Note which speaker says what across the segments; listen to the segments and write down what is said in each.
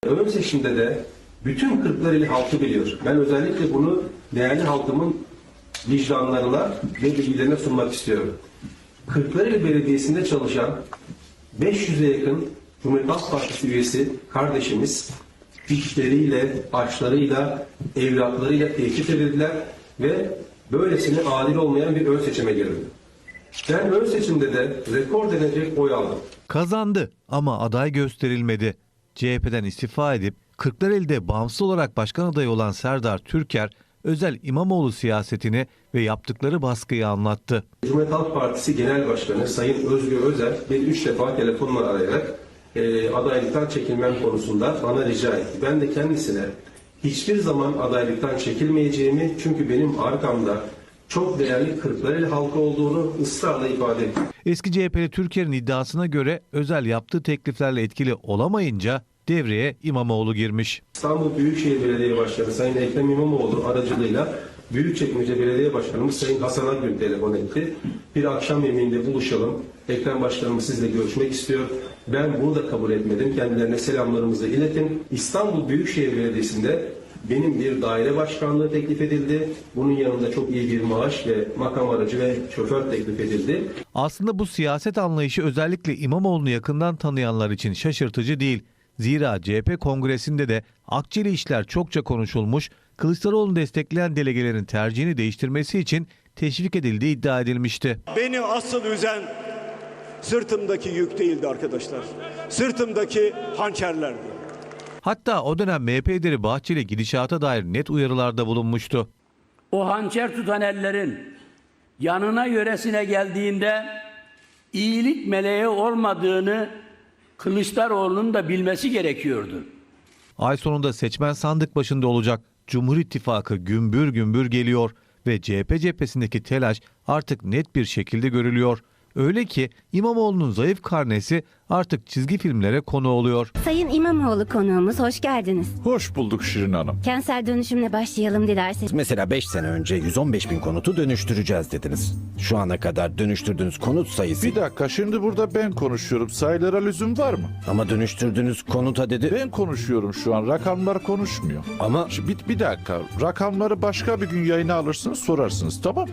Speaker 1: Ön seçimde de bütün Kırklareli halkı biliyor. Ben özellikle bunu değerli halkımın vicdanlarına ve bilgilerine sunmak istiyorum. Kırklareli Belediyesi'nde çalışan 500'e yakın Cumhuriyet Halk Partisi üyesi kardeşimiz işleriyle, başlarıyla, evlatlarıyla tehdit edildiler ve böylesine adil olmayan bir ön seçime girildi. Ben ön seçimde de rekor denecek oy aldım.
Speaker 2: Kazandı ama aday gösterilmedi. CHP'den istifa edip Kırklareli'de bağımsız olarak başkan adayı olan Serdar Türker, özel İmamoğlu siyasetini ve yaptıkları baskıyı anlattı.
Speaker 1: Cumhuriyet Halk Partisi Genel Başkanı Sayın Özgür Özel beni 3 defa telefonla arayarak adaylıktan çekilmem konusunda bana rica etti. Ben de kendisine hiçbir zaman adaylıktan çekilmeyeceğimi, çünkü benim arkamda çok değerli Kırklareli halkı olduğunu ısrarla ifade ettim.
Speaker 2: Eski CHP'li Türker'in iddiasına göre Özel yaptığı tekliflerle etkili olamayınca devreye İmamoğlu girmiş.
Speaker 1: İstanbul Büyükşehir Belediye Başkanı Sayın Ekrem İmamoğlu aracılığıyla Büyükçekmece Belediye Başkanımız Sayın Hasan Akgün telefon etti. Bir akşam yemeğinde buluşalım. Ekrem Başkanımız sizle görüşmek istiyor. Ben bunu da kabul etmedim. Kendilerine selamlarımızı iletin. İstanbul Büyükşehir Belediyesi'nde benim bir daire başkanlığı teklif edildi. Bunun yanında çok iyi bir maaş ve makam aracı ve şoför teklif edildi.
Speaker 2: Aslında bu siyaset anlayışı özellikle İmamoğlu'nu yakından tanıyanlar için şaşırtıcı değil. Zira CHP kongresinde de akçeli işler çokça konuşulmuş, Kılıçdaroğlu'nu destekleyen delegelerin tercihini değiştirmesi için teşvik edildiği iddia edilmişti.
Speaker 3: Beni asıl üzen sırtımdaki yük değildi arkadaşlar. Sırtımdaki hançerlerdi.
Speaker 2: Hatta o dönem MHP lideri Bahçeli gidişata dair net uyarılarda bulunmuştu.
Speaker 4: O hançer tutan ellerin yanına yöresine geldiğinde iyilik meleği olmadığını Kılıçdaroğlu'nun da bilmesi gerekiyordu.
Speaker 2: Ay sonunda seçmen sandık başında olacak. Cumhur İttifakı gümbür gümbür geliyor ve CHP cephesindeki telaş artık net bir şekilde görülüyor. Öyle ki İmamoğlu'nun zayıf karnesi artık çizgi filmlere konu oluyor.
Speaker 5: Sayın İmamoğlu konuğumuz, hoş geldiniz.
Speaker 6: Hoş bulduk Şirin Hanım.
Speaker 5: Kentsel dönüşümle başlayalım dilerseniz.
Speaker 7: Mesela 5 sene önce 115 bin konutu dönüştüreceğiz dediniz. Şu ana kadar dönüştürdüğünüz konut sayısı...
Speaker 6: Bir dakika, şimdi burada ben konuşuyorum. Sayılara lüzum var mı?
Speaker 7: Ama dönüştürdüğünüz konuta dedi...
Speaker 6: Ben konuşuyorum şu an. Rakamlar konuşmuyor.
Speaker 7: Ama...
Speaker 6: Bir dakika. Rakamları başka bir gün yayına alırsınız, sorarsınız. Tamam.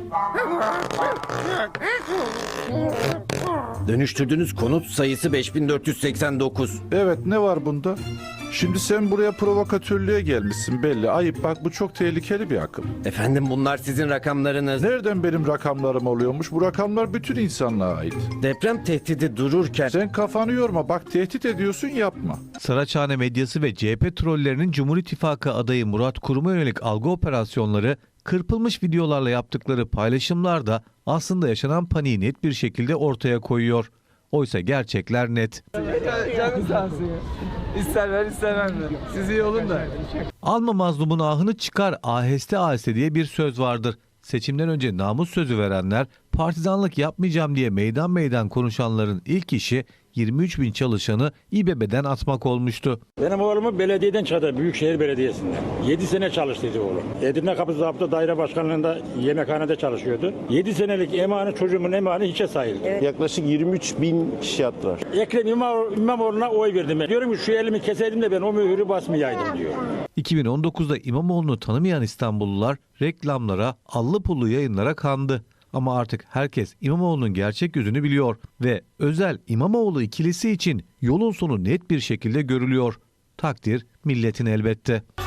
Speaker 7: Dönüştürdüğünüz konut sayısı 5489.
Speaker 6: Evet, ne var bunda? Şimdi sen buraya provokatörlüğe gelmişsin belli. Ayıp, bak bu çok tehlikeli bir akım.
Speaker 7: Efendim, bunlar sizin rakamlarınız.
Speaker 6: Nereden benim rakamlarım oluyormuş? Bu rakamlar bütün insanlığa ait.
Speaker 7: Deprem tehdidi dururken...
Speaker 6: Sen kafanı yorma, bak tehdit ediyorsun, yapma.
Speaker 2: Saraçhane medyası ve CHP trollerinin Cumhur İttifakı adayı Murat Kurum'a yönelik algı operasyonları, kırpılmış videolarla yaptıkları paylaşımlar da aslında yaşanan paniği net bir şekilde ortaya koyuyor. Oysa gerçekler net.
Speaker 8: Canım sağ olsun ya. İster ver ister verme. Siz iyi olun da.
Speaker 2: Alma mazlumun ahını çıkar aheste aheste diye bir söz vardır. Seçimden önce namus sözü verenler, partizanlık yapmayacağım diye meydan meydan konuşanların ilk işi 23 bin çalışanı İBB'den atmak olmuştu.
Speaker 9: Benim oğlumu belediyeden çıkardı, Büyükşehir Belediyesi'nde. 7 sene çalıştıydı oğlum. Edirne Kapı Zabıta Daire Başkanlığı'nda yemekhanede çalışıyordu. 7 senelik emanı, çocuğumun emanı hiçe sayıldı. Evet.
Speaker 10: Yaklaşık 23 bin kişi attılar.
Speaker 9: Ekrem İmamoğlu'na oy verdim ben. Diyorum ki şu elimi keseydim de ben o mühürü basmayaydım diyor.
Speaker 2: 2019'da İmamoğlu'nu tanımayan İstanbullular reklamlara, allı pullu yayınlara kandı. Ama artık herkes İmamoğlu'nun gerçek yüzünü biliyor ve Özel İmamoğlu ikilisi için yolun sonu net bir şekilde görülüyor. Takdir milletin elbette.